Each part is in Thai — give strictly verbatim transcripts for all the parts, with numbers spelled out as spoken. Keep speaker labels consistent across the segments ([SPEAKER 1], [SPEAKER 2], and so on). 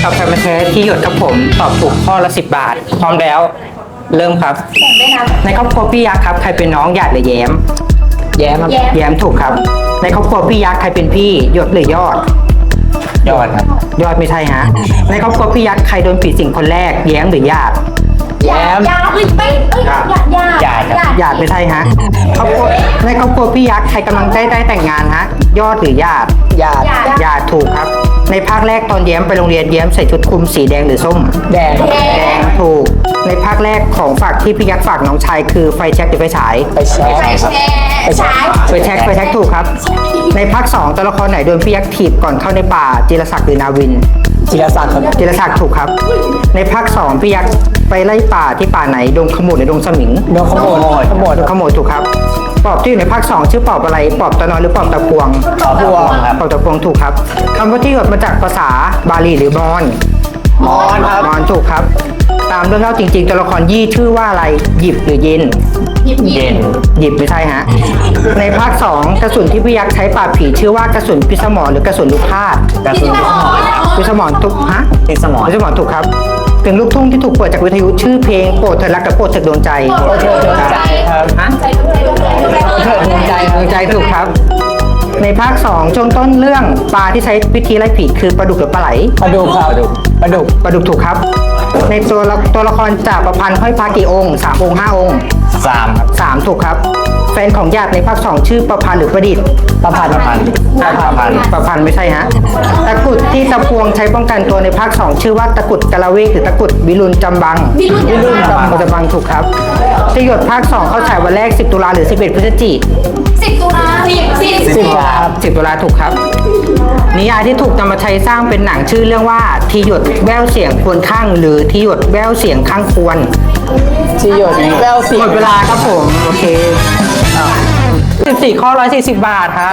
[SPEAKER 1] าแฟมาแท้ที่หยดครับผมตอบถูกข้อละสิบบาท พร้อมแล้ว เริ่มครับ ในครอบครัวพี่ยักษ์ครับใครเป็นน้องหยาดหรือแย้ม
[SPEAKER 2] แย้มครับ
[SPEAKER 1] แย้มถูกครับ ในครอบครัวพี่ยักษ์ใครเป็นพี่หยดหรือยอด
[SPEAKER 2] ยอดครับ
[SPEAKER 1] ยอดไม่ใช่ฮะ ในครอบครัวพี่ยักษ์ใครโดนผีสิงคนแรกแย้มหรือหยาด
[SPEAKER 2] แย้ม
[SPEAKER 3] ยาเอ้ยไม่เอ้ยยาญา
[SPEAKER 2] หยาดครับ
[SPEAKER 1] หยาดไม่ใช่ฮะครอบครัวในครอบครัวพี่ยักษ์ใครกำลังได้ได้แต่งงานฮะยอดหรือหยาด
[SPEAKER 2] หยาด
[SPEAKER 1] หยาดถูกครับ ในภาคแรกตอนแย้มไปโรงเรียนแย้มใส่ชุดคลุมสีแดงหรือส้ม
[SPEAKER 2] แดง
[SPEAKER 1] แดงถูก ในภาคแรกของฝากที่พี่ยักษ์ฝากน้องชายคือไฟแช็กหรือไฟฉาย
[SPEAKER 2] ไปแชร์
[SPEAKER 3] ไป
[SPEAKER 2] ครับ
[SPEAKER 3] แชร์ฉาย
[SPEAKER 1] ไฟแช็กไฟแช็กถูกครับ ในภาคสองตัวละครไหนโดนพี่ยักษ์ถีบก่อนเข้าในป่าจิรศักดิ์หรือนาวิน
[SPEAKER 2] จิรศักดิ์ครับ
[SPEAKER 1] จิรศักดิ์ถูกครับ ในภาคสองพี่ยักษ์ไปไล่ป่าที่ป่าไหนดงขมุดหรือดงสมิง
[SPEAKER 2] โดนขโมยขโมย
[SPEAKER 1] ดงขมุดถูกครับปอบที่อยู่ในภาคสองชื่อปอบอะไรปอบตะนอนหรือปอบตะพวง
[SPEAKER 2] ขอพวงครับ
[SPEAKER 1] ปอบตะพวงถูกครับคำว่าที่หยดมาจากภาษาบาลีหรือมอญ
[SPEAKER 2] มอนครับ
[SPEAKER 1] มอนถูกครับ ตามเรื่องเล่าจริงๆตัวละครยี่ชื่อว่าอะไรหยิบหรือเย็น
[SPEAKER 3] หยิบหยิ
[SPEAKER 2] เย็
[SPEAKER 3] บ
[SPEAKER 2] น
[SPEAKER 1] หยิบไม่ใช่ฮะ ในภาคสองกระสุนที่พี่ยักษ์ใช้ปราบผีชื่อว่ากระสุนพิสมรหรือกระสุนลูกพาด
[SPEAKER 2] กระสุน
[SPEAKER 1] พิสมรถูกฮะ
[SPEAKER 2] พิสมร
[SPEAKER 1] พิสมรถูกครับถึงลูกทุ่งที่ถูกเปิดจากวิทยุชื่อเพลงโปรดเธอรักกับโปรดเธอดวงใจ
[SPEAKER 2] โปรดเถิดดวงใจครับ
[SPEAKER 1] ฮะ
[SPEAKER 3] ใจดวงใจดวงใจดวงใจ
[SPEAKER 2] โปรดเถิดดวงใจ
[SPEAKER 1] ดวงใจถูกครับ ในภาคสองช่วงต้นเรื่องปลาที่ใช้วิธีไล่ผีคือปลาดุกหรือปลาไหล
[SPEAKER 2] ปลาดุกครับปลาดุก
[SPEAKER 1] ปลาดุกถูกครับ ในตัวละตัวละครจากประพันธ์ห้อยพระกี่องค์สามองค์ห้าองค์
[SPEAKER 2] สามครับ
[SPEAKER 1] สามถูกครับ แฟนของญาติในภาคสองชื่อประพันธ์หรือประดิษฐ์
[SPEAKER 2] ประพันธ์ประพันธ์ประพันธ์
[SPEAKER 1] ประพันธ์ไม่ใช่ฮะ ตะกรุดที่ตะพวงใช้ป้องกันตัวในภาคสองชื่อว่าตะกรุดกะละเวกหรือตะกรุดวิรุณจำบัง
[SPEAKER 3] วิรุณ
[SPEAKER 1] วิรุณจำจำบังถูกครับที่หยดภาคสองเข้าฉายวันแรกสิบตุลาหรือสิบเอ็ดพฤศจิก
[SPEAKER 3] สิบตุลาสิบสิบ
[SPEAKER 2] สิบครับ
[SPEAKER 1] สิบตุลาถูกครับ นิยายที่ถูกนำมาใช้สร้างเป็นหนังชื่อเรื่องว่าทีหยดแววเสียงควรข้างหรือทีหยดแววเสียงข้างควร
[SPEAKER 2] ที่หยดแววเสี
[SPEAKER 1] ห
[SPEAKER 2] ย
[SPEAKER 1] ม
[SPEAKER 2] ง
[SPEAKER 1] ดเวลาครับผม โอเคสิบสี่ข้อร้อยสี่สิบบาทค่ะ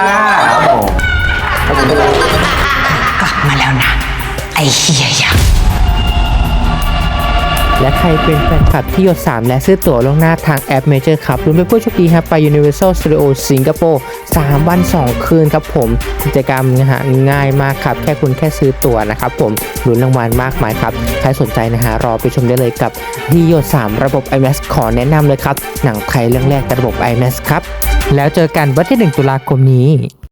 [SPEAKER 4] กลับมาแล้วนะ ไอเฮียยักษ์
[SPEAKER 5] และใครเป็นแฟนคลับที่หยดสามและซื้อตั๋วล่วงหน้าทางแอป Major ครับรุ่นเป็นผู้โชคดีครับไป Universal Studio สิงคโปร์สามวันสองคืนครับผมกิจกรรมนะฮะง่ายมากครับแค่คุณแค่ซื้อตั๋วนะครับผมลุ้นรางวัลมากมายครับใครสนใจนะฮะรอไปชมได้เลยกับที่หยดสามระบบ ไอ แม็กซ์ ขอแนะนำเลยครับหนังไทยเรื่องแรกกับระบบ ไอ แม็กซ์ ครับแล้วเจอกันวันที่หนึ่งตุลาคมนี้